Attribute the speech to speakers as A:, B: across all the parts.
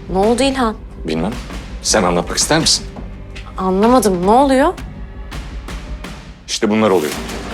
A: Ne oldu İlhan?
B: Bilmem. Sen anlatmak ister misin?
A: Anlamadım. Ne oluyor?
B: İşte bunlar oluyor.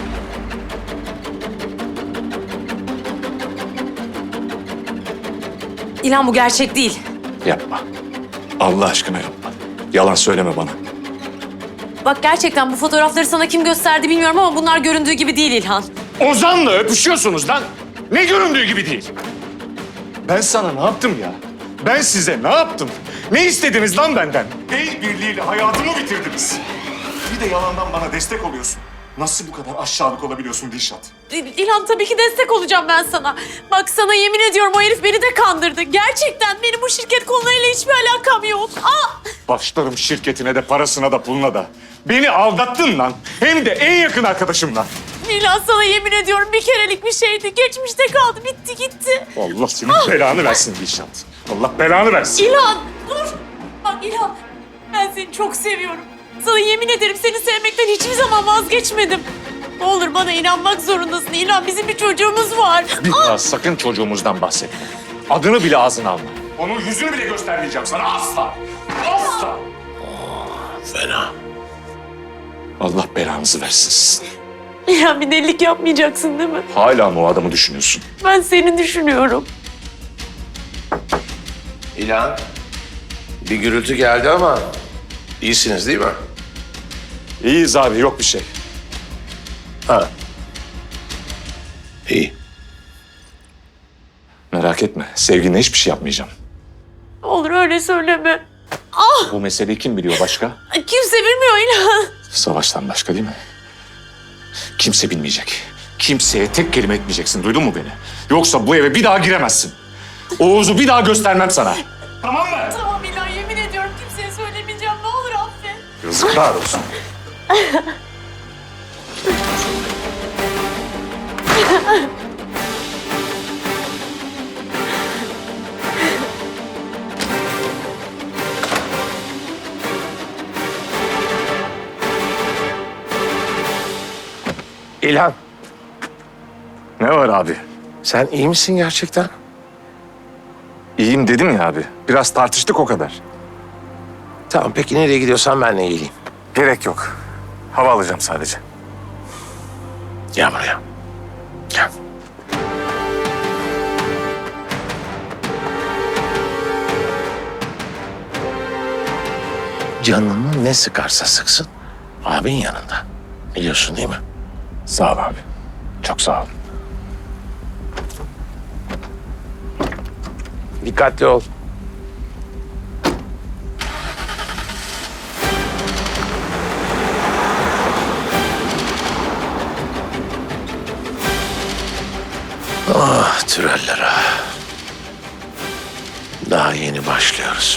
A: İlhan bu gerçek değil.
B: Yapma. Allah aşkına yapma. Yalan söyleme bana.
A: Bak gerçekten bu fotoğrafları sana kim gösterdi bilmiyorum ama bunlar göründüğü gibi değil İlhan.
B: Ozan'la öpüşüyorsunuz lan. Ne göründüğü gibi değil. Ben sana ne yaptım ya? Ben size ne yaptım? Ne istediniz lan benden? El birliğiyle hayatımı bitirdiniz. Bir de yalandan bana destek oluyorsun. Nasıl bu kadar aşağılık olabiliyorsun Dilşat?
A: İlhan tabii ki destek olacağım ben sana. Bak sana yemin ediyorum o herif beni de kandırdı. Gerçekten benim bu şirket konularıyla hiçbir alakam yok.
B: Başlarım şirketine de parasına da puluna da. Beni aldattın lan. Hem de en yakın arkadaşımla.
A: İlhan sana yemin ediyorum bir kerelik bir şeydi. Geçmişte kaldı, bitti gitti.
B: Allah senin belanı versin Dilşat. Allah belanı versin.
A: İlhan dur. Bak İlhan ben seni çok seviyorum. Sana yemin ederim seni sevmekten hiçbir zaman vazgeçmedim. Ne olur bana inanmak zorundasın. İlhan bizim bir çocuğumuz var.
B: Bir daha sakın çocuğumuzdan bahsetme. Adını bile ağzına alma. Onun yüzünü bile göstermeyeceğim sana asla. Asla.
C: Fena.
B: Allah belanızı versin sizin.
A: İlhan bir delilik yapmayacaksın değil mi?
B: Hala mı o adamı düşünüyorsun?
A: Ben seni düşünüyorum.
C: İlhan, bir gürültü geldi ama iyisiniz değil mi?
B: İyiyiz abi, yok bir şey.
C: Ha. İyi.
B: Merak etme, sevginle hiçbir şey yapmayacağım.
A: Ne olur öyle söyleme.
B: Bu meseleyi kim biliyor başka?
A: Kimse bilmiyor İlhan.
B: Savaştan başka değil mi? Kimse bilmeyecek. Kimseye tek kelime etmeyeceksin, duydun mu beni? Yoksa bu eve bir daha giremezsin. Oğuz'u bir daha göstermem sana. Tamam mı?
A: Tamam İlhan yemin ediyorum kimseye söylemeyeceğim. Ne olur affet.
B: Yazıklar olsun.
C: İlhan,
B: Ne var abi?
C: sen iyi misin gerçekten?
B: İyiyim dedim ya abi. Biraz tartıştık o kadar.
C: Tamam, peki nereye gidiyorsan ben de geleyim.
B: Gerek yok. Hava alacağım sadece.
C: Gel buraya. Gel. Canını ne sıkarsa sıksın, abin yanında. Biliyorsun değil mi?
B: Sağ ol abi. Çok sağ ol.
C: Dikkatli ol. Ah Türeller ah. Daha yeni başlıyoruz.